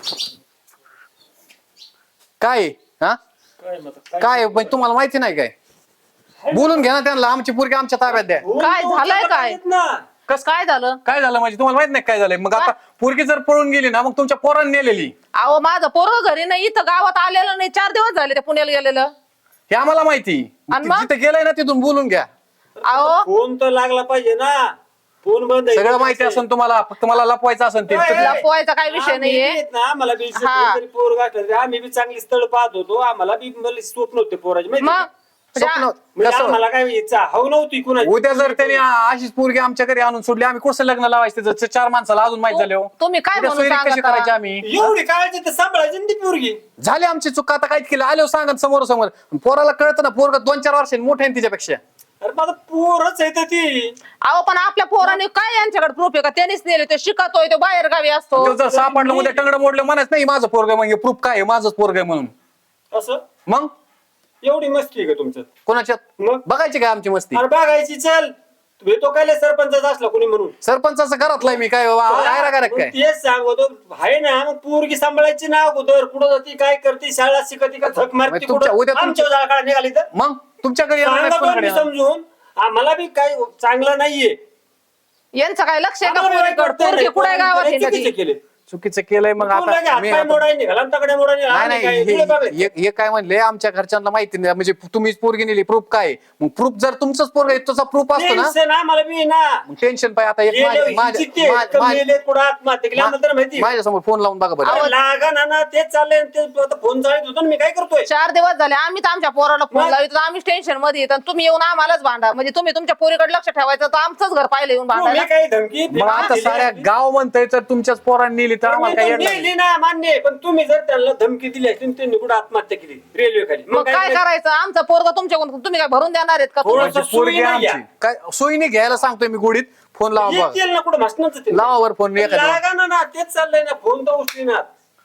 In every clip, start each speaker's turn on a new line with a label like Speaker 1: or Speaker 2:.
Speaker 1: काय हा काय म्हणजे तुम्हाला माहिती नाही काय? बोलून घ्या ना त्यांना, आमची पोरगी आमच्या ताब्यात द्या.
Speaker 2: काय झालंय काय?
Speaker 1: कस
Speaker 2: काय झालं?
Speaker 1: काय झालं म्हणजे तुम्हाला माहित नाही काय झालंय? मग आता पोरगी जर पळून गेली ना, मग तुमच्या पोरांनी नेलेली
Speaker 2: अहो माझं पोरं घरी नाही, इथं गावात आलेलं नाही, 4 दिवस झाले ते पुण्याला गेलेलं.
Speaker 1: हे आम्हाला माहिती.
Speaker 2: आणि मग?
Speaker 1: जिथे गेलंय ना तिथून बोलून घ्या.
Speaker 2: अहो
Speaker 3: फोन तर लागला पाहिजे ना. फोन बंद आहे.
Speaker 1: सगळं माहिती असेल तुम्हाला, फक्त मला लपवायचं असेल ते.
Speaker 2: लपवायचा काही विषय नाहीये.
Speaker 3: आम्हाला बी
Speaker 2: हा.
Speaker 3: तरी पोर गाठलं, आम्ही बी चांगली स्थळ पाहत होतो. आम्हाला बी मला स्वप्न होते पोराचे माहिती
Speaker 2: मग
Speaker 3: का?
Speaker 1: स्वप्न
Speaker 3: म्हणजे
Speaker 1: कसं?
Speaker 3: आम्हाला काय इच्छा हव नव्हती कुणाची.
Speaker 1: उद्या जर त्यांनी अशीच पोरगी आमच्या घरी आणून सोडली, आम्ही कसं लग्न लावायचं? त्याचं 4 माणसाला अजून माहित झाले हो.
Speaker 2: तुम्ही काय
Speaker 1: उद्या
Speaker 2: म्हणून
Speaker 1: सोयरी कशी
Speaker 2: सांगता?
Speaker 1: करायची आम्ही?
Speaker 3: एवढी काळजी तर सांभाळायची ना ती पोरगी.
Speaker 1: झाली आमची चूक, आता काहीच केलं आलो सांगत समोर समोर. पोराला कळतं ना, पोरग 2-4 वर्षांनी मोठे आहे तिच्यापेक्षा.
Speaker 3: अरे माझं पोरच आहे तर ती.
Speaker 2: अहो पण आपल्या पोराने काय यांच्याकडे प्रूफ आहे का? त्यांनीच नेले, ते शिकतोय, तो बाहेर गावी असतो.
Speaker 1: तो जर सापडलं उद्या टंगड मोडलं म्हणायचं नाही माझं पोरग, म्हणजे प्रूफ काय आहे माझंच पोरग आहे म्हणून.
Speaker 3: असं
Speaker 1: मग
Speaker 3: एवढी मस्ती आहे का तुमच्यात?
Speaker 1: कोणाच्यात
Speaker 3: मग
Speaker 1: बघायची काय आमची मस्ती?
Speaker 3: अरे बघायची चल. तो काय सरपंचाचा असला कोणी म्हणून.
Speaker 1: सरपंचाचं घरातलाय मी काय काय
Speaker 3: मग
Speaker 1: काय?
Speaker 3: तेच सांगतो आहे ना. मग पोरगी सांभाळायची ना अगोदर. कुठं जाती, काय करते, शाळा शिकती का झक मारती
Speaker 1: तुमच्या-
Speaker 3: कुठं?
Speaker 1: उद्या तुमच्या-
Speaker 3: आमच्या जाळकाळा निघाली तर
Speaker 1: मग तुमच्या घरी येणार नाही,
Speaker 3: सांगा
Speaker 1: कोणाकडे
Speaker 3: तुम्ही
Speaker 1: येणार?
Speaker 3: समजून. आम्हाला बी काय चांगलं नाहीये.
Speaker 2: यांचं काय लक्ष आहे का?
Speaker 3: आम्हाला बी
Speaker 2: पोरीकडे
Speaker 3: वाटतंय
Speaker 2: पोरगी
Speaker 3: नाही,
Speaker 2: कुठे गावात
Speaker 3: पोरांनी
Speaker 2: हिंडती?
Speaker 3: चुकीचं केले.
Speaker 1: चुकीचं केलंय मग
Speaker 3: तू लगे
Speaker 1: आता मी
Speaker 3: हातपाय मोडायला निघाला आणि तगड्या मोडायला निघाला.
Speaker 1: नाही
Speaker 3: आम्ही काय
Speaker 1: नाही
Speaker 3: तुला बघायचं?
Speaker 1: हे काय म्हणले आमच्या घरच्यांना माहिती नाही, म्हणजे तुम्हीच पोरगी नेली, प्रूफ काय? मग प्रूफ जर तुमचंच पोरग आहे तसा प्रूफ असतो ना,
Speaker 3: टेन्शन आम्हाला बी ना.
Speaker 1: मग टेन्शन पाहिजे. आता एक
Speaker 3: गेले, हिंचिते, तर मेले, कुठं आत्महत्या केली आम्हाला तर माहिती.
Speaker 1: माझ्या समोर फोन लावून बघा बरं.
Speaker 3: अरे लागा ना तेच चाललंय. ते आता फोन चालत होतो ना, मी काय करतोय?
Speaker 2: 4 दिवस झाले आम्ही तर आमच्या पोराला फोन
Speaker 3: मग?
Speaker 2: लावित, आम्ही टेन्शन मध्ये येत, तुम्ही येऊन आम्हालाच भांडा. म्हणजे तुम्ही तुमच्या पोरीकडे लक्ष ठेवायचं, तर आमचंच घर पाहिलं येऊन
Speaker 3: तुम्ही
Speaker 2: भांडायला.
Speaker 3: काही धमकी
Speaker 1: मग आता साऱ्या गाव म्हणतंय तर तुमच्याच पोरांनी नेली तर आम्हाला काय येणार नाही.
Speaker 3: नेली ना, मान्य आहे. पण तुम्ही जर त्यांना धमकी दिली असती, त्यांनी कुठं आत्महत्या केली रेल्वे खाली,
Speaker 2: मग काय करायचं? आमचं पोरग तुमच्याकडून तुम्ही काय भरून देणार आहेत का?
Speaker 3: थोडं-
Speaker 2: तुम्ही?
Speaker 1: म्हणजे पोरगी
Speaker 3: सोयी नाही
Speaker 1: आमची काय सोयीने घ्यायला सांगतोय मी गोडीत. फोन लावा बघा.
Speaker 3: येतील ना कुठं भाषणाचं ते.
Speaker 1: लावा वर फोन एखाद्या.
Speaker 3: लागा ना तेच चाललंय ना. फोन तर उचली ना.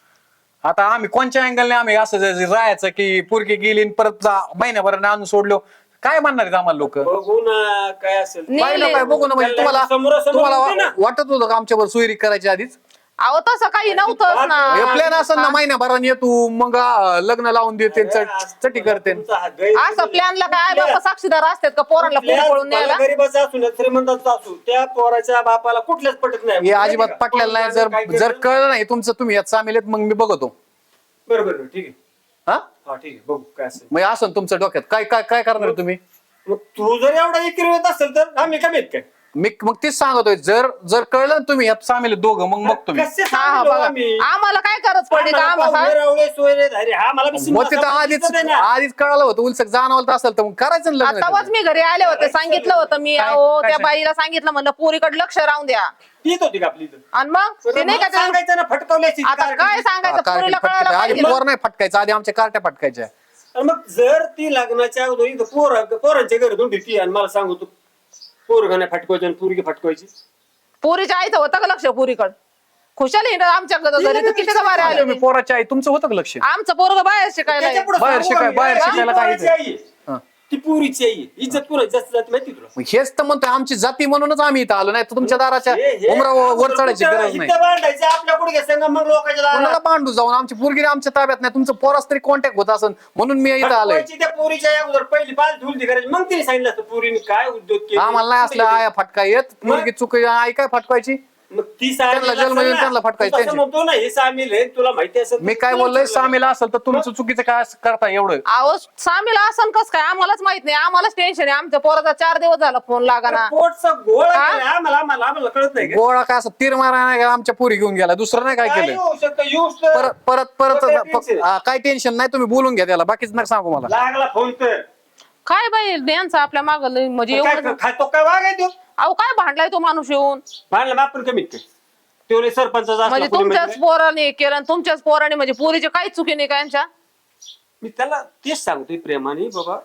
Speaker 1: आता आम्ही कोणत्या अँगलने आम्ही असं राहायचं की पोरगी गेली आणि परत महिन्याभराने आणून सोडलो? काय म्हणणार आहेत आम्हाला लोक?
Speaker 3: बघू ना काय असेल.
Speaker 2: नाही.
Speaker 1: पाहिलं काय बघू ना, म्हणजे तुम्हाला
Speaker 3: समोरासमोर होती ना.
Speaker 1: तुम्हाला वाटत होतं का आमच्यावर सोयरी करायची आधीच?
Speaker 2: अहो तसं काही नव्हतंच ना.
Speaker 1: हे प्लॅन असं ना, महिन्याभराने येतो मग लग्न लावून देते चटी करते.
Speaker 3: तुमचा हा गैर-
Speaker 2: असं प्लॅनला काय आई बाप साक्षीदार असतात का पोरांना पुढे
Speaker 3: कुठल्याच
Speaker 2: पळून न्यायला?
Speaker 3: गरीबाचा असू ना, श्रीमंताचा असू, त्या पोराच्या बापाला कुठल्याच पटत नाही.
Speaker 1: हे अजिबात पटलेलं नाही. जर कळलं नाही तुमचं, तुम्ही यात सामील आहेत, मग मी बघतो.
Speaker 3: बरोबर ठीक आहे.
Speaker 1: हा
Speaker 3: हा ठीक आहे, बघू काय असेल.
Speaker 1: मग असं तुमच्या डोक्यात काय काय काय करणार आहे तुम्ही?
Speaker 3: मग तू जर एवढा एकीर येत असेल तर आम्ही कमी आहेत काय?
Speaker 1: मी मग तेच सांगतोय, जर जर कळलं ना तुम्ही यात सामील आहेत दोघं, मग बघतो मी.
Speaker 3: कसे
Speaker 2: हा हा
Speaker 3: सांगितलं
Speaker 2: बघा,
Speaker 3: आम्ही?
Speaker 2: आम्हाला काय गरज पडली का
Speaker 3: आम्हाला
Speaker 2: आम्हाला?
Speaker 3: पाहुणे, रावळे, सोयरे, धारे, हा मला बी
Speaker 1: मग तिथं
Speaker 3: सिंहासनावर
Speaker 1: आधीच
Speaker 3: दिसत आहे ना.
Speaker 1: आधीच कळालं होतं, उलसक जाणवलं असेल तर मग करायचं ना लग्न.
Speaker 2: आताच मी घरी आले होते, सांगितलं होतं मी.
Speaker 1: काय-
Speaker 2: अहो
Speaker 1: काय
Speaker 2: त्या बाईला सांगितलं, म्हणलं पोरीकडे लक्ष राहून द्या.
Speaker 3: तीच होती का आपली इथं?
Speaker 2: आणि मग ते नाही का ते-
Speaker 3: सांगायचं ना, फटकवली असती ती
Speaker 2: आता
Speaker 3: कार.
Speaker 2: काय सांगायचं? पोरीला कळायला
Speaker 1: आधी
Speaker 2: पाहिजे.
Speaker 1: पोर नाही फटकायचं, आधी आमच्या कार्ट्या फटकायच्या.
Speaker 3: आणि मग जर ती लग्नाच्या अगोदर इथं पोरांच्या घरी धुंडी ती आणि मला सांगू तू पोरगाने फटकवायची आणि पोरगी फटकवायची.
Speaker 2: पोरीच्या आईचं होतं का लक्ष पोरीकडे? खुशाल हिंड आमच्या घरी तर किती बारे आले
Speaker 1: तुम्ही
Speaker 2: होते.
Speaker 1: पोराची आई, तुमचं होतं का लक्ष?
Speaker 2: आमचं पोरग बाहेर शिकायला आहे.
Speaker 3: त्याच्यापुढं
Speaker 1: बाहेर
Speaker 3: सांगू
Speaker 1: शिकाय-
Speaker 3: आम्ही,
Speaker 1: बाहेर
Speaker 3: ती
Speaker 1: शिकायला काय
Speaker 3: पोराची
Speaker 1: इथे?
Speaker 3: आई आहे.
Speaker 1: हा.
Speaker 3: ती पोरीची आई आहे. इज्जत कुणाची जास्त जाते माहिती तुला?
Speaker 1: मग हेच तर म्हणतोय, आमची जाती म्हणूनच आम्ही इथं आलो, नाही तर तुमच्या दाराच्या उमरावर वर चढायची गरज नाही.
Speaker 3: इथं भांडायचं आपल्या कुठे संग मग लोकांच्या दारात.
Speaker 1: कोणाला भांडू जाऊन, आमची पोरगी आमच्या ताब्यात नाही, तुमचं पोरास तरी कॉन्टॅक्ट होत असेल म्हणून मी इथं आलोय.
Speaker 3: फटकवायची त्या पोरीच्या अगोदर पहिली पाच धुलती करायची, मग तिने सांगितलं असतं पोरीने काय उद्योग केले.
Speaker 1: आम्हाला नाही असलं आया फटका येत, मुलगी चुक आई काय फटकायची?
Speaker 3: मग ती
Speaker 1: त्यांना जन्म देऊन त्यांना फटकायचं.
Speaker 3: असं म्हणतो ना हे सामील आहे, तुला माहिती असेल तर
Speaker 1: मी काय
Speaker 3: तुला
Speaker 1: बोललोय,
Speaker 3: विचारलं.
Speaker 1: सामील असेल तर तुमचं चुकीचं काय करता एवढं?
Speaker 2: अहो सामील असं कस काय? आम्हालाच माहित नाही, आम्हालाच टेन्शन आहे. आमच्या पोराचा 4 दिवस झाला फोन लागाना.
Speaker 3: पोटचा गोळ आहे
Speaker 2: हा?
Speaker 3: का? आम्हाला कळत नाही का?
Speaker 1: गोळा काय असं तीर मारा नाही का, आमच्या पोरी घेऊन गेला, दुसरं नाही काय
Speaker 3: काय
Speaker 1: केलं.
Speaker 3: होऊ शकतं? येऊच तर.
Speaker 1: परत परत परत
Speaker 3: काय tension?
Speaker 1: काय टेन्शन नाही, तुम्ही बोलून घ्या त्याला, बाकीच नका सांगू मला.
Speaker 3: लागला फोन तर
Speaker 2: काय बाई यांचं आपल्या माग म्हणजे
Speaker 3: काय
Speaker 2: एवढं.
Speaker 3: खातो काय वागाय तो
Speaker 2: अहो काय भांडलाय तो माणूस येऊन?
Speaker 3: मानलं आपण कमीत काय तेवढे सरपंचाचा
Speaker 2: म्हणजे
Speaker 3: असला कोणी
Speaker 2: तुमच्याच
Speaker 3: माहिती
Speaker 2: पोराने केलं आणि तुमच्याच पोराने, म्हणजे पोरीची काही चुकी नाही का यांच्या?
Speaker 3: मी त्याला तेच सांगतोय प्रेमाने, बाबा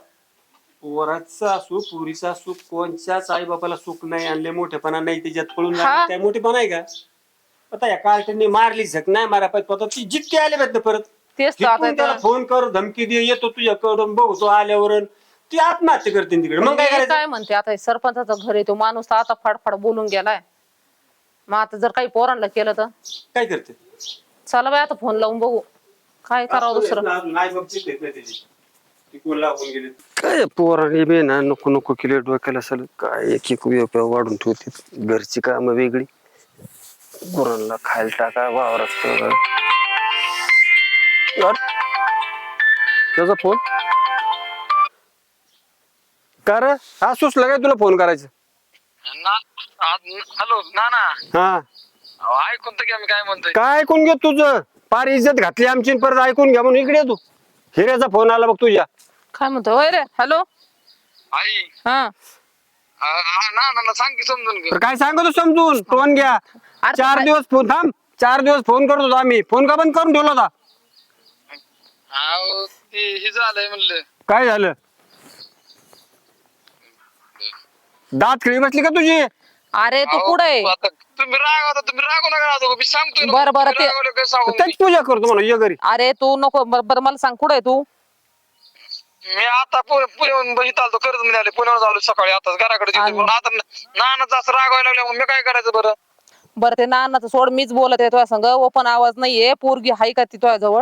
Speaker 3: पोराचा असू पुरीचा असू कोणच्याच आई बापाला सुख नाही आणले, मोठेपणा नाही त्याच्यात पळून
Speaker 2: हा.
Speaker 3: जाणं, काय मोठेपणा आहे का? आता या कार्टनने मारली झक नाही मारा पाहिजे, आता ती जितके आले पाहिजे परत
Speaker 2: तेच तर आता
Speaker 3: तिकडून त्याला फोन कर, धमकी दे, येतो तुझ्याकडून बघतो आल्यावर ती आत्महत्या करते तिकडे, मग काय
Speaker 2: मी
Speaker 3: करायचं?
Speaker 2: काय म्हणते आता, हे सरपंचाचं घर आहे, तो माणूस तर आता फाडफाड बोलून गेलाय. मग आता जर काही पोरांना केलं तर
Speaker 3: काय करते?
Speaker 2: चला बाय आता फोन लावून बघू काय करावं दुसरं.
Speaker 3: नाही बघ चिठ्ठीत नाही त्याची. ती कोण लागून गेली काय पोराने बी ना नको नको केले डोक्याला असेल काय एक एक वेळ वाढून ठेवते घरची कामं वेगळी गुरांना खायला टाका वावरात त्याचा फोन का रे हा सुचलं काय तुला फोन करायचं
Speaker 4: हॅलो ना ना
Speaker 3: हा
Speaker 4: ऐकून तर घ्या मी काय म्हणतोय.
Speaker 3: काय ऐकून घे तुझं पार इज्जत घातली आमची आणि परत ऐकून घ्या म्हणून इकडे ये तू हिऱ्याचा फोन आला बघ तुझ्या
Speaker 2: काय म्हणतो होय रे हॅलो.
Speaker 4: आई
Speaker 2: हा
Speaker 4: ना ना सांग की समजून घे.
Speaker 3: तर काय सांगतो समजून फोन घ्या
Speaker 2: अरे
Speaker 3: 4 दिवस फोन थांब 4 दिवस फोन करत होतो आम्ही फोन का बंद करून ठेवला होता
Speaker 4: अहो ते हे झालंय म्हणलं.
Speaker 3: काय झालं दात खिळी बसली का तुझी
Speaker 2: अरे तू
Speaker 4: अहो,
Speaker 2: कुठे
Speaker 4: आता तुम्ही रागवू नका आता मी सांगतोय ना.
Speaker 2: बरं, बरं,
Speaker 4: तुम्ही रागावलं काय सांगू
Speaker 3: त्याच पूजा करतो म्हणून ये घरी
Speaker 2: अरे तू नको बरं मला सांग कुठे तू.
Speaker 4: मी आता पुण्याहून बहित आलो कर्ज मध्ये आले पुण्यावर आलो सकाळी आता घराकडे
Speaker 2: आणि-
Speaker 4: पण आता नानाच असं रागवायला लागलं मी काय करायचं बरं.
Speaker 2: बरं ते नानाचं सोड मीच बोलत आहे तुझ्या संग ओपन आवाज नाहीये पोरगी हाय का ती तुझ्या जवळ.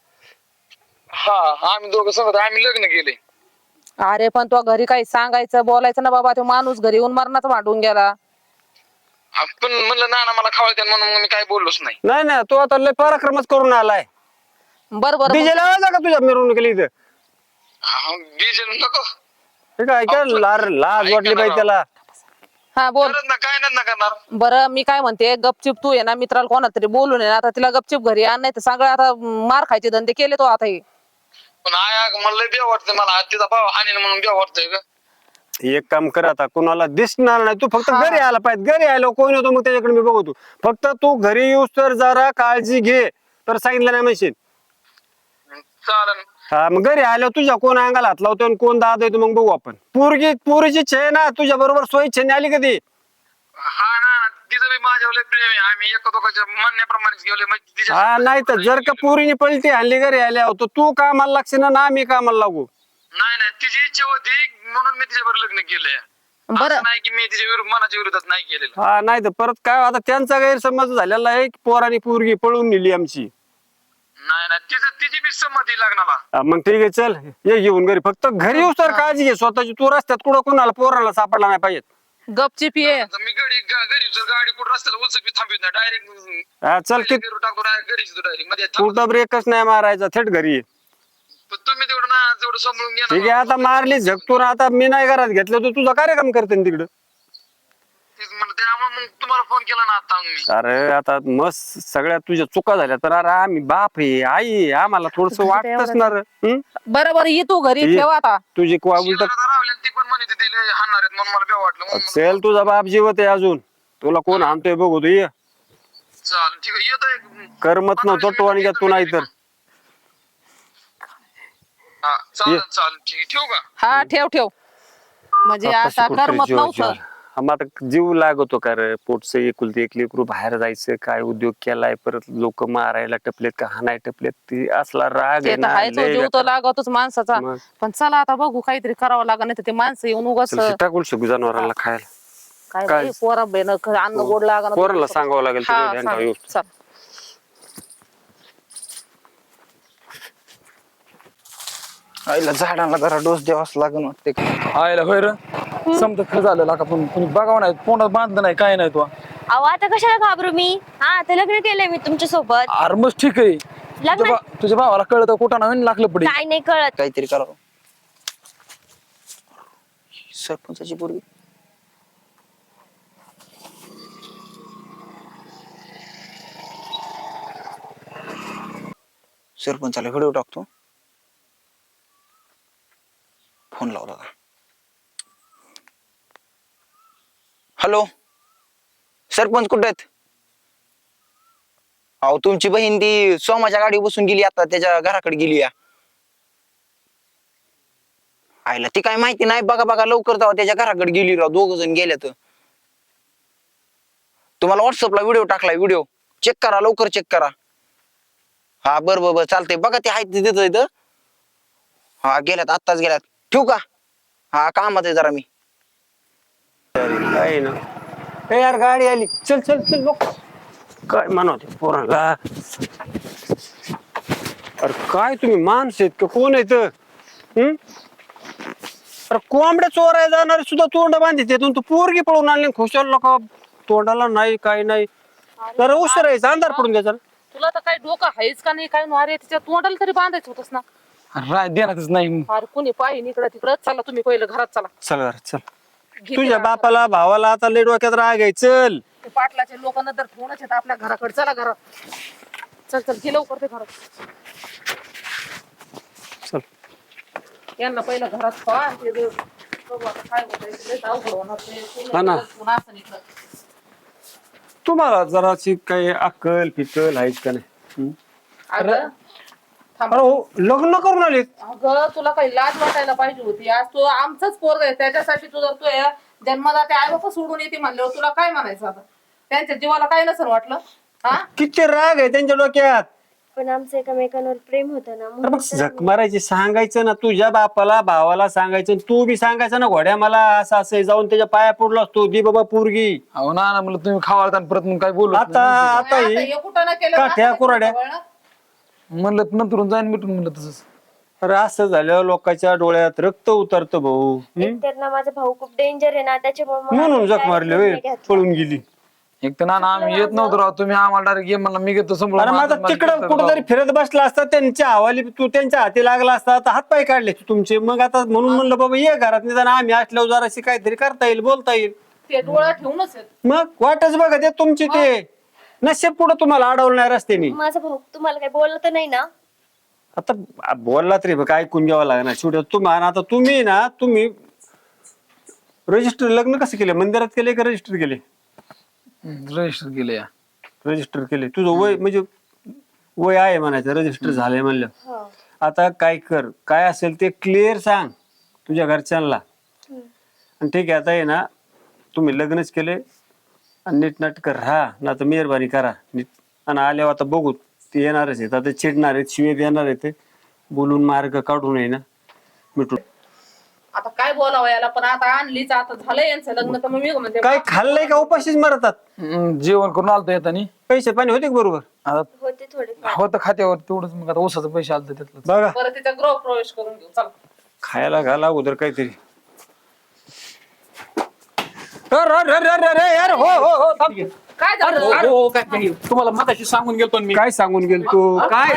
Speaker 4: हा आम्ही दोघं सांगतो आम्ही लग्न केले.
Speaker 2: अरे पण तो घरी काही सांगायचं बोलायचं ना बाबा तो माणूस घरी येऊन मरणाचं भांडून गेला.
Speaker 4: पण म्हणलं नाना मला खावळते म्हणून मी काय बोललोच नाही.
Speaker 3: नाही नाही तो आता लय पराक्रमच करून आलाय
Speaker 2: बरं बरं
Speaker 3: डीजे लावायचा का तुझ्या मिरवणुकीला इथं
Speaker 4: डिझेल नको
Speaker 3: हे काय काय लाज वाटली पाहिजे त्याला
Speaker 2: हा बोल.
Speaker 4: करत ना काय नाही ना करणार.
Speaker 2: बरं मी काय म्हणते गपचिप तू आहे ना मित्राला कोणा तरी बोलून आहे ना आता तिला गपचिप घरी आण नाही तर सगळं आता मार खायचे धंदे केले तो आता हे.
Speaker 4: पण मला लय बेव वाटतंय मला तिचा भाव हानी म्हणून बेव वाटतंय का.
Speaker 3: एक काम कर आता कुणाला दिसणार नाही तू फक्त घरी आला पाहिजे घरी आलो कोण होतो मग त्याच्याकडे मी बघतो फक्त तू घरी येऊस तर जरा काळजी घे तर सांगितलं नाही म्हणशील
Speaker 4: चालन.
Speaker 3: हा मग घरी आलो तुझ्या कोण अंगाला हात लावतो आणि कोण दाद येतो मग बघू आपण पोरीची छे ना तुझ्या बरोबर सोयी छेने आली कधी
Speaker 4: हा ना तिचं बी माझ्यावर लय प्रेम आहे आम्ही एका दोघांच्या म्हणण्याप्रमाणेच गेलोय म्हणजे तिच्या
Speaker 3: हा नाही तर जर का पोरीने पलटी हल्ली घरी आल्या होतो तू कामाला लागशील ना आम्ही कामाला लागू
Speaker 4: नाही नाही तिची इच्छा होती म्हणून मी तिच्यावर लग्न केलंय.
Speaker 2: बरं
Speaker 4: असं नाही की मी तिच्या मनाच्या विरोधात नाही केलेलं.
Speaker 3: हा नाही तर परत काय आता त्यांचा गैरसमज झालेला आहे की पोराने पोरगी पळून नेली आमची
Speaker 4: नाही नाही तिची बी संमती लग्नाला.
Speaker 3: हा, मग ठीक आहे चल ये घेऊन घरी फक्त घरी येऊस तर काळजी घे स्वतःची तू रस्त्यात कुठं कोणाला पोराला सापडला नाही पाहिजे
Speaker 2: गपचिप ये.
Speaker 4: आता मी घरी जर गाडी कुठं रस्त्याला उलचपी थांबवित नाही डायरेक्ट
Speaker 3: हा चल की
Speaker 4: टाकतो घरीच डायरेक्ट मध्ये थांबतो.
Speaker 3: कुठं ब्रेकच नाही मारायचा थेट घरी ये.
Speaker 4: पण तुम्ही तेवढं ना तेवढं सांभाळून घ्या
Speaker 3: ठीक आहे आता मारली झगतो ना आता मी नाही घरात घेतलं तर तुझा कार्यक्रम करते ना तिकडं
Speaker 4: त्यामुळे मग तुम्हाला फोन केला ना आता मी.
Speaker 3: अरे आता मस्त सगळ्या तुझ्या चुका झाल्या तर अरे आम्ही बाप आहे आई आहे, आम्हाला थोडस वाटतच ना रे.
Speaker 2: बरं बरं ये तू घरी
Speaker 3: ये.
Speaker 2: ठेव आता.
Speaker 3: तुझी उलट
Speaker 4: शिवाला रावले ती पण म्हणे तिथे हाणणार आहेत म्हणून मला बेव वाटलं म्हणून
Speaker 3: सेल तुझा बाप जिवत आहे अजून तुला कोण आणतोय बघू तू ये
Speaker 4: चाल ठीक आहे येतोय.
Speaker 3: करमत नव्हतं तो आणि तू नाही तर
Speaker 4: हा चालेल चालेल ठीक आहे. ठेवू का.
Speaker 2: हा ठेव ठेव म्हणजे आता करमत नव्हतं.
Speaker 3: मग आता जीव लागतो का रे पोटच एकुलते एक लेकरू बाहेर जायचं काय उद्योग केलाय परत लोक मारायला टपलेत का हाणाय टपलेत ती असला राग
Speaker 2: ते
Speaker 3: आहे
Speaker 2: तर
Speaker 3: ना
Speaker 2: हायच हो,
Speaker 3: लय
Speaker 2: जीव तर
Speaker 3: बेकार.
Speaker 2: लागतोच माणसाचा.
Speaker 3: मग.
Speaker 2: पण चला आता बघू काहीतरी करावं लागणार नाही तर ते माणसं येऊन उगाच
Speaker 3: चल, टाकून शकू जनावरांना खायला
Speaker 2: काय
Speaker 3: काय?
Speaker 2: बाई, पोरा बेन अन्न गोड लागणार.
Speaker 3: पोराला सांगावं लागेल
Speaker 2: हा,
Speaker 3: तिथे ध्यान ठेवा,
Speaker 2: सांग.
Speaker 3: येऊ.
Speaker 2: चल.
Speaker 5: आईला झाडांना जरा डोस द्यावाच लागून वाटते
Speaker 6: आयला होय र समजा खरं झालं का पण कुणी बघावं नाही तोंडात बांधलं नाही काय नाही तो
Speaker 7: अहो आता कशाला घाबरू मी. हा आता लग्न केलंय मी तुमच्या सोबत.
Speaker 6: अरे मग ठीक आहे
Speaker 7: लग्न
Speaker 6: तुझ्या भावाला कळत कुठं नवीन लागलं पडी
Speaker 7: काय नाही कळत.
Speaker 5: काहीतरी करावं. सरपंचाची पोरगी सरपंचाला व्हिडिओ टाकतो फोन लावला का. हॅलो सरपंच कुठे आहेत. अहो तुमची बहीण ती सोमाच्या गाडी बसून गेली आता त्याच्या घराकडे गेली या. आईला ती काय माहिती नाही बघा बघा लवकर जावा त्याच्या घराकडे गेली राव 2 जण गेल्यात. तुम्हाला व्हॉट्सअपला व्हिडिओ टाकलाय व्हिडिओ चेक करा लवकर चेक करा. हा बरं चालतंय बघा ते आहेत तिथं इथं. हा गेल्यात आत्ताच गेल्यात ठेवू का. हा कामात आहे जरा मी.
Speaker 3: काय ना ए यार गाडी आली चल चल चल बघ काय म्हणते पोराला अरे काय तुम्ही माणस आहेत का कोण आहेत अरे कोंबड्या चोरायला जाणारे सुद्धा तोंड बांधित येतून तू पोरगी पळून आणली खुशाल लोक तोंडाला नाही काय नाही जरा उशीर आहे अंधार पडून द्यायचा
Speaker 2: तुला तर काही डोकं आहेच का नाही काय अरे तिच्या तोंडाला तरी बांधायचं होतस ना.
Speaker 6: राय देणारच नाही.
Speaker 2: अरे कुणी पाहिजे इकडं तिकडं. चला तुम्ही पहिलं घरात चला.
Speaker 3: चल घरात चल
Speaker 2: घे
Speaker 3: तुझ्या
Speaker 2: ते
Speaker 3: बापाला भावाला आता लय डोक्यात राग आहे चल
Speaker 2: ते पाटलाचे लोकांना तर फोनच येतात आपल्या घराकडे. चला घरात. चल चल घे लवकर ते घरात.
Speaker 3: चल
Speaker 2: यांना पहिलं घरात पहा आणि ते बघू आता काय होतंय. लयच अवघड होणार ते.
Speaker 3: हा ना.
Speaker 2: पुन्हा असं इकडं.
Speaker 3: तुम्हाला जराशी काही अक्कल पिकल आहेच का नाही
Speaker 2: अगं थांब.
Speaker 3: अरे हो लग्न करून आले
Speaker 2: अगं तुला काही लाज वाटायला पाहिजे होती. आज तू आमचाच पोरग आहे त्याच्यासाठी तू जर तू जन्मदा ते आई बापा सोडून येते म्हणल्यावर तुला काय म्हणायचं आता. त्यांच्या जीवाला काय नसेल वाटलं. हा
Speaker 3: किती राग आहे त्यांच्या डोक्यात
Speaker 7: पण आमचं एकमेकांवर प्रेम होतं ना
Speaker 3: अरे
Speaker 7: म्हणून
Speaker 3: मग झक मारायची सांगायचं ना तुझ्या बापाला भावाला सांगायचं तू बी सांगायचं ना घोड्या मला असं असं जाऊन त्याच्या पाया पडलो असतो दी बाबा पोरगी
Speaker 6: अहो ना म्हणलं तुम्ही खावाळता आणि परत मग काय बोलू
Speaker 3: आता आता
Speaker 2: आता
Speaker 3: ही
Speaker 2: हे कुठं ना केलं
Speaker 3: काठ्या
Speaker 2: आता
Speaker 3: कुऱ्हाड्या.
Speaker 2: ते वळण.
Speaker 6: म्हणलं नंतर जाईन मिटून म्हणलं तसंच.
Speaker 3: अरे असं झाल्यावर लोकांच्या डोळ्यात रक्त उतरतं भाऊ
Speaker 7: तर ना माझा भाऊ खूप डेंजर आहे ना त्याच्यामुळे मग
Speaker 3: म्हणून
Speaker 7: आम्ही
Speaker 3: जख
Speaker 7: direct
Speaker 3: मारली
Speaker 7: निर्णय
Speaker 3: होय,
Speaker 7: घेतला.
Speaker 3: पळून गेली
Speaker 6: एक तर ना आम्ही येत नव्हतो राव. तुम्ही आम्हाला डायरेक्ट ये म्हणला मी घेतो संभळून.
Speaker 3: अरे माझा तिकडं कुठेतरी फिरत बसला असता त्यांच्या हवाली तू त्यांच्या हाती लागला असता आता हात पाय काढले तुमचे मग आता म्हणून म्हणलं बाबा ये घरात निदान आम्ही असल्यावर जराशी काहीतरी करता येईल बोलता येईल
Speaker 2: ते डोळा ठेवूनच आहेत.
Speaker 3: मग वाटच बघा ते तुमची ते नशेब पुढे तुम्हाला अडवलं नाही रस्त्याने
Speaker 7: माझा भाऊ तुम्हाला काही बोललं तर नाही ना.
Speaker 3: आता बोलला तरी बघ ऐकून घ्यावं लागणार शेवटी तुम्हाला आता तुम्ही रजिस्टर लग्न कसं केलं मंदिरात केले का रजिस्टर केले
Speaker 6: रजिस्टर केलं या.
Speaker 3: रजिस्टर केले तुझं वय म्हणजे वय आहे म्हणायचं रजिस्टर झालंय म्हणलं
Speaker 7: हो.
Speaker 3: आता काय कर काय असेल ते क्लिअर सांग तुझ्या घरच्यांना आणि ठीक आहे आता आहे ना तुम्ही लग्नच केले आणि नीटनाटक राहा ना तर मेहरबानी करा नीट आणि आल्यावर आता बघू ते येणारच आहेत आता चिडणार आहेत शिवे देणार आहेत ते बोलून मार्ग काढून आहे ना मिटून
Speaker 2: आता काय बोलावं याला पण आता आणलीच आता झालं यांचं लग्न तर मग मी म्हणते
Speaker 3: काय खाल्लंय का उपाशीच मरतात
Speaker 6: जेवण करून आलतो येतानी.
Speaker 3: पैसे पाणी होते का बरोबर
Speaker 6: आता
Speaker 7: होते थोडे
Speaker 6: होतं खात्यावर तेवढंच मग आता ऊसाचं पैसे आलतं त्यातलं.
Speaker 3: बघा
Speaker 2: परत तिचा गृह प्रवेश करून घेऊ. चला
Speaker 3: खायला घाला उदर काहीतरी यार हो हो हो थांब.
Speaker 2: काय झालं.
Speaker 1: हो काय तुम्हाला मगाशी सांगून गेलतो ना मी.
Speaker 3: काय सांगून गेल तू काय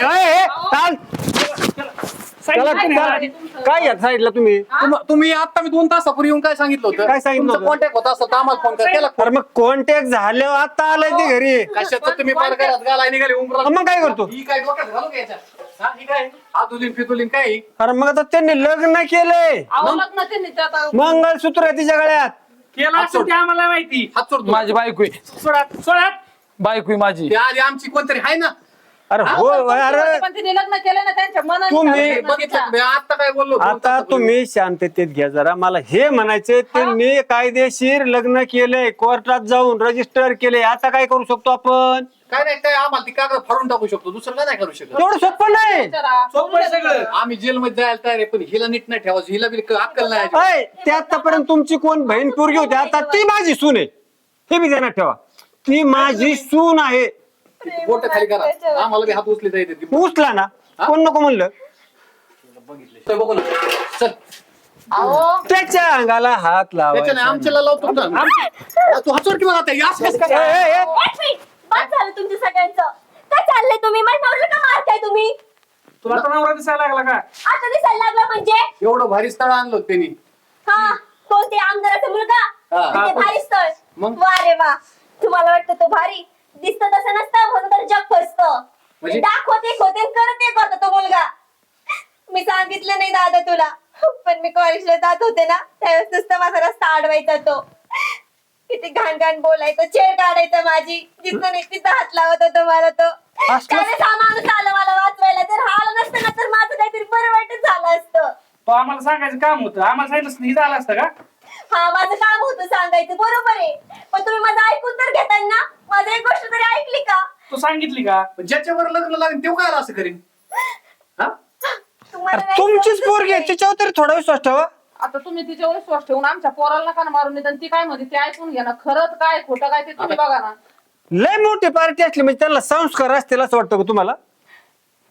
Speaker 3: काय या साईडला तुम्ही
Speaker 1: तुम्ही आता मी 2 तासापूर्वी येऊन काय सांगितलं होतं
Speaker 3: काय सांगितलं होतं?
Speaker 1: कॉन्टॅक्ट होता असं तर आम्हाला फोन केला.
Speaker 3: अरे मग कॉन्टॅक्ट झाल्यावर आता आलाय ते घरी
Speaker 1: कशाचं तुम्ही पार घरात घालाय निघाले उमरा.
Speaker 3: मग काय करतो
Speaker 1: ही काय डोक्यात घालू का याच्यात? हा, ही काय आदुलीन फितुलीन काय
Speaker 3: अरे मग आता त्यांनी लग्न केलंय
Speaker 2: अहो लग्न त्यांनी ते आता
Speaker 3: मंगळसूत्र आहे तिच्या गळ्यात
Speaker 8: केला असं ते आम्हाला माहिती.
Speaker 1: हात सोडतो.
Speaker 6: माझी बायको आहे.
Speaker 8: सोडा
Speaker 6: बायको आहे माझी.
Speaker 1: ते आधी आमची कोणतरी आहे ना
Speaker 3: अरे हो अरे
Speaker 2: पण तिने लग्न केलं ना त्यांच्या मनाने
Speaker 3: तुम्ही
Speaker 2: झालं लग्न
Speaker 1: बघितलं
Speaker 2: तिचं.
Speaker 1: मी आता काय बोललो 2
Speaker 3: आता
Speaker 1: तासापूर्वी.
Speaker 3: तुम्ही शांततेत घ्या जरा मला हे म्हणायचंय त्यांनी कायदेशीर लग्न केलंय कोर्टात जाऊन रजिस्टर केले आता काय करू शकतो आपण
Speaker 1: काय नाही काय आम्हाला ती कागद फाडून टाकू शकतो दुसरं काय नाही करू शकत.
Speaker 3: एवढं सोपं नाही
Speaker 2: विचारा.
Speaker 1: सोपं आहे सगळं. आम्ही जेलमध्ये जायला तयार आहे पण हिला नीट नाही ठेवायचं हिला बी अक्कल नाही अजिबात.
Speaker 3: अय, ते आतापर्यंत तुमची कोण बहीण पोरगी होती आता ती माझी सून आहे हे बी ध्यानात ठेवा ती माझी सून आहे
Speaker 1: बोट खाली करा आम्हाला बी हात उचले जायचे ती.
Speaker 3: उचला ना कोण नको म्हणलं
Speaker 1: तर बघू ना चल
Speaker 2: अहो
Speaker 3: त्याच्या अंगाला हात
Speaker 1: त्याच्याने
Speaker 3: लावायचा
Speaker 1: आमच्याला लावतो ना. तू हात सोड की मग आता यास कसं काय?
Speaker 3: ए,
Speaker 7: बस झालं तुमचं सगळ्यांचं. काय चाललंय तुम्ही माझ्या नवऱ्याला का मारताय तुम्ही.
Speaker 8: तुला तर नवरा दिसायला लागला का?
Speaker 7: आता दिसायला लागला म्हणजे
Speaker 1: एवढं भारी स्थळ आणलं होतं त्यांनी
Speaker 7: हा कोणते आमदाराचा मुलगा
Speaker 1: हा.
Speaker 7: म्हणजे भारी स्थळ.
Speaker 1: मग?
Speaker 7: वा रे वा तुम्हाला वाटतं तो भारी दिसत तसं नसतं म्हणून तर जग फसतं.
Speaker 1: म्हणजे?
Speaker 7: दाखवत एक होते आणि करत एक होता तो मुलगा. मी सांगितलं नाही दादा तुला पण मी कॉलेजला जात होते ना त्यावेळेस नुसतं माझा रस्ता अडवायचा तो किती घाण घाण बोलायचं चेड काढायचं माझी जिथं नाही तिथं हात लावत होतो मला तो त्यावेळेस हा माणूस आला मला वाचवायला जर हा आला नसतं ना तर माझं काहीतरी बरं वाईटच झालं असतं.
Speaker 8: तो आम्हाला सांगायचं काम होतं. आम्हाला सांगितलं असतं, हे झालं असतं का?
Speaker 7: हा माझं काम होतं सांगायचं बरोबर आहे पण तुम्ही माझं ऐकून तर घेताय ना माझं एक गोष्ट तरी ऐकली का.
Speaker 8: तू सांगितली का?
Speaker 1: ज्याच्यावर लग्न लागेल तेव्हा काय असं करीन हा?
Speaker 7: तुम्हाला नाही
Speaker 3: तुमचीच
Speaker 7: समजत
Speaker 3: पोरगी आहे
Speaker 7: नाही.
Speaker 3: तिच्यावर तरी थोडा विश्वास ठेवा
Speaker 2: आता तुम्ही तिच्यावर विश्वास ठेवून आमच्या पोराला नका ना मारून निदान ती काय म्हणते ते ऐकून घ्या ना खरंच काय खोटं काय ते तुम्ही बघा ना.
Speaker 3: लय मोठी पार्टी असली म्हणजे त्यांना संस्कार असतील असं वाटतं का तुम्हाला
Speaker 7: ते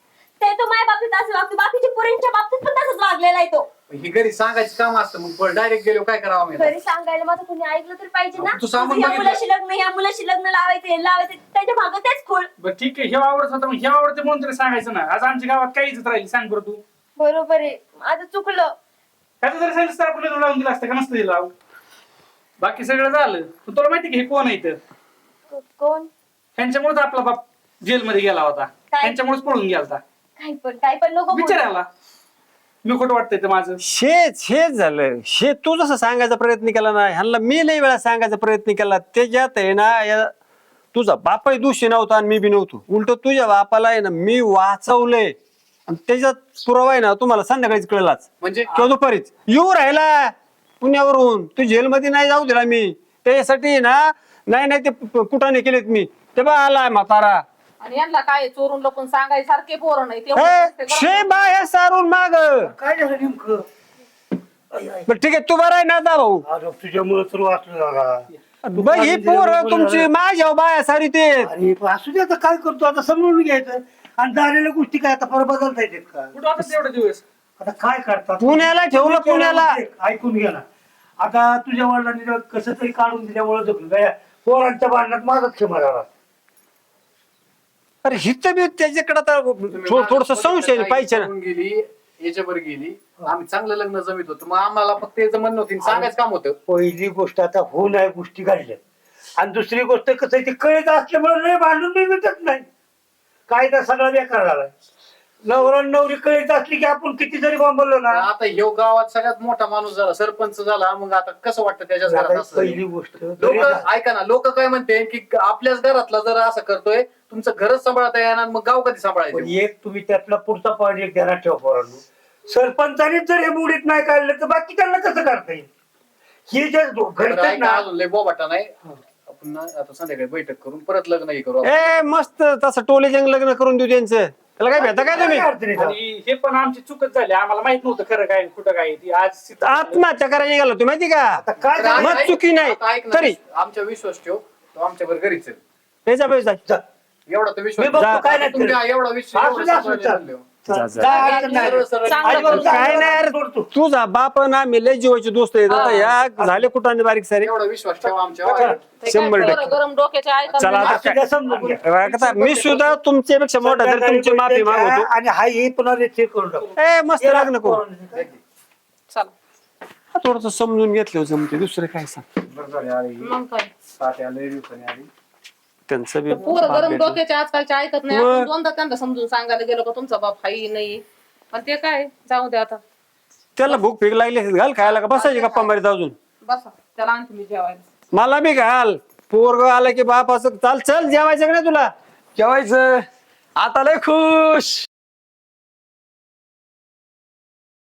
Speaker 7: आहे तो माझ्या बाबतीत असं वागतो, बाकीच्या पोरींच्या बाबतीत पण तसंच वागलेला आहे तो.
Speaker 1: ही घरी सांगायचं काम असतं, मग डायरेक्ट गेलो काय करावं आम्ही?
Speaker 7: घरी सांगायला माझं कोणी ऐकलं तर पाहिजे ना.
Speaker 1: तू सांगून
Speaker 7: ह्या
Speaker 1: बघितलं.
Speaker 7: मुलाशी लग्न, ह्या मुलाशी लग्न लावायचे त्याच्या मागं तेच खोळ.
Speaker 8: बरं ठीक आहे, हे आवडत होतं, मग हे आवडते म्हणून तरी सांगायचं ना. आज आमच्या गावात काही इज्जत राहिली, सांग बरं तू.
Speaker 7: बरोबर आहे, माझं चुकलं.
Speaker 8: त्याचं जरी सांगितलं तर आपण लावून दिलं असतं का, नसतं दिलं लावून. बाकी सगळं झालं. पण तुला माहिती की हे कोण आहे इथं?
Speaker 7: कोण?
Speaker 8: ह्यांच्यामुळेच आपला बाप जेलमध्ये गेला होता,
Speaker 7: काय?
Speaker 8: ह्यांच्यामुळेच पळून गेला होता.
Speaker 7: काय पण नको बोलू.
Speaker 8: विचारायला मी खोटं वाटतंय ते माझं.
Speaker 3: हेच झालं. तू जसं सांगायचा प्रयत्न केला ना, ह्यांना मी लई वेळा सांगायचा प्रयत्न केला. त्याच्यात आहे ना, तुझा बापाही दोषी नव्हता आणि मी बी नव्हतो. उलट तुझ्या बापाला आहे ना मी वाचवलंय, आणि त्याच्यात पुरावा आहे ना तुम्हाला संध्याकाळीच कळलाच,
Speaker 1: म्हणजे
Speaker 3: किंवा दुपारीच येऊ राहिला पुण्यावरून. तू जेलमध्ये नाही जाऊ दिला मी त्याच्यासाठी ना. नाही ते कुठाने केलेत मी. ते बा आलाय म्हातारा.
Speaker 2: आणि यांना काय चोरून लपून सांगायचे सारखे पोरं नाही
Speaker 3: शे बाया सारून माग.
Speaker 9: काय झालं नेमकं?
Speaker 3: बरं ठीक आहे, तू बरा आहे ना आता भाऊ?
Speaker 9: तुझ्यामुळे तर वाचलं दादा.
Speaker 3: बघ ही पोर तुमची माझ्या बाया सारी ते.
Speaker 9: अरे पण असू दे, आता काय करतो, आता समजून घ्यायचं. आणि झालेल्या गोष्टी काय आता परत बदलता येतात का?
Speaker 8: कुठं होता तेवढे दिवस?
Speaker 9: आता काय करतात?
Speaker 3: पुण्याला ठेवलं, पुण्याला.
Speaker 9: ऐकून घ्या ना. आता तुझ्या वडिलांनी कसं तरी काढून दिल्यामुळे जखमी काय पोरांच्या भांडणात माझाच क्षमा झाला.
Speaker 3: अरे हित बी त्याच्याकडे आता थोडस संशय पाहिजे ना.
Speaker 1: गेली याच्यावर गेली, आम्ही चांगलं लग्न जमीत होतो, मग आम्हाला फक्त याचं म्हणणं होतं, सांगायचं काम होतं.
Speaker 9: पहिली गोष्ट आता हो नाही गोष्टी घडल्या, आणि दुसरी गोष्ट कसं आहे, ती कळत असल्यामुळे लय भांडून मी मिटत नाही. कायदा सगळा बेकार झालाय. नवरा नवरी कळत असली की आपण किती जरी बोललो ना.
Speaker 1: आता ह्यो गावात सगळ्यात मोठा माणूस झाला, सरपंच झाला, मग आता कसं वाटतं त्याच्याच घरात असं?
Speaker 9: पहिली गोष्ट
Speaker 1: लोक ऐका ना, लोक काय म्हणते की आपल्याच घरातला जर असं करतोय, तुमचं घरच सांभाळता येणार, मग गाव कधी
Speaker 9: पण
Speaker 1: सांभाळायचं?
Speaker 9: एक तुम्ही त्यातला पुढचा पॉईंट एक ध्यानात ठेवा पोरांनो. सरपंचानेच जर हे बुडीत नाही काढलं तर बाकी त्यांना कसं करता येईल? हे जे
Speaker 1: बरं,
Speaker 9: घडतात
Speaker 1: ऐका,
Speaker 9: ना.
Speaker 1: अजून लय बोबाटा नाही. आपण ना आता संध्याकाळी बैठक करून परत लग्न हे करू.
Speaker 3: ए मस्त तसं टोले जंग लग्न करून देऊ त्यांचं. त्याला काय भेटा काय तुम्ही?
Speaker 9: काय अडचण आहे?
Speaker 8: आणि हे पण आमची चुकच झाली, आम्हाला माहित नव्हतं खरं काय कुठं काय. ती आज
Speaker 3: आत्महत्या करायला निघालो तुम्ही माहिती का?
Speaker 9: आता काय
Speaker 1: तर
Speaker 9: झालं?
Speaker 3: मग
Speaker 1: ऐक-
Speaker 3: चुकी नाही
Speaker 1: आता ऐक ना,
Speaker 3: तरी.
Speaker 1: आमच्या विश्वास ठेव, तो आमच्या बरोबर घरीच आहे.
Speaker 3: पैसा पैसा
Speaker 9: जा.
Speaker 1: एवढा तर विश्वास
Speaker 9: मी बघतो
Speaker 1: ठेव.
Speaker 9: काय
Speaker 1: आता
Speaker 9: नाही
Speaker 1: तुमच्या
Speaker 9: करत.
Speaker 1: एवढा विश्वास
Speaker 9: असू दे, असू दे,
Speaker 1: एवढं
Speaker 9: चल.
Speaker 3: जा.
Speaker 9: जा, अडचण नाही.
Speaker 1: सरळ सरळ
Speaker 2: चांगलं
Speaker 9: अजिबात
Speaker 2: करू.
Speaker 3: काय नाही यार,
Speaker 9: सोडतो.
Speaker 3: तुझा बाप ना मी लय जीवाचे दोस्त आहेत. आता या झाले कुठं बारीक सारे.
Speaker 1: एवढा विश्वास ठेवा आमच्या.
Speaker 3: 100%.
Speaker 2: गरम डोक्याच्या ऐका
Speaker 3: चला आता
Speaker 9: असू द्या, समजून घ्या.
Speaker 3: आता मी सुद्धा तुमच्यापेक्षा मोठा तर तुमची माफी मागवतो.
Speaker 9: आणि हा हे पुन्हा चेक करून टाकू.
Speaker 3: ए मस्त लग्न करू.
Speaker 2: चला
Speaker 3: थोडस समजून घेतलं जमते, दुसरं काय सांग.
Speaker 1: बरं झालं, आली.
Speaker 2: मग काय
Speaker 1: साठ आले, दिवसांनी आली.
Speaker 3: त्यांचं बी
Speaker 2: पोरं
Speaker 3: बाप
Speaker 2: गरम
Speaker 3: भेटलं.
Speaker 2: डोक्याचे आजकालचे ऐकत नाही.
Speaker 3: मग.
Speaker 2: आपण दोनदा त्यांना समजून सांगायला गेलो का तुमचा बाप हाई नाही, पण ते काय जाऊ दे आता.
Speaker 3: त्याला भूक फेक लागली असेल, घाल खायला का बसायची गप्पा मारीत अजून.
Speaker 2: बसा त्याला आणखी मी जेवायला.
Speaker 3: मला बी घाल. पोरग आलं की बाप असं चाल चल जेवायचं का नाही तुला?
Speaker 6: जेवायचं आता लय खुश.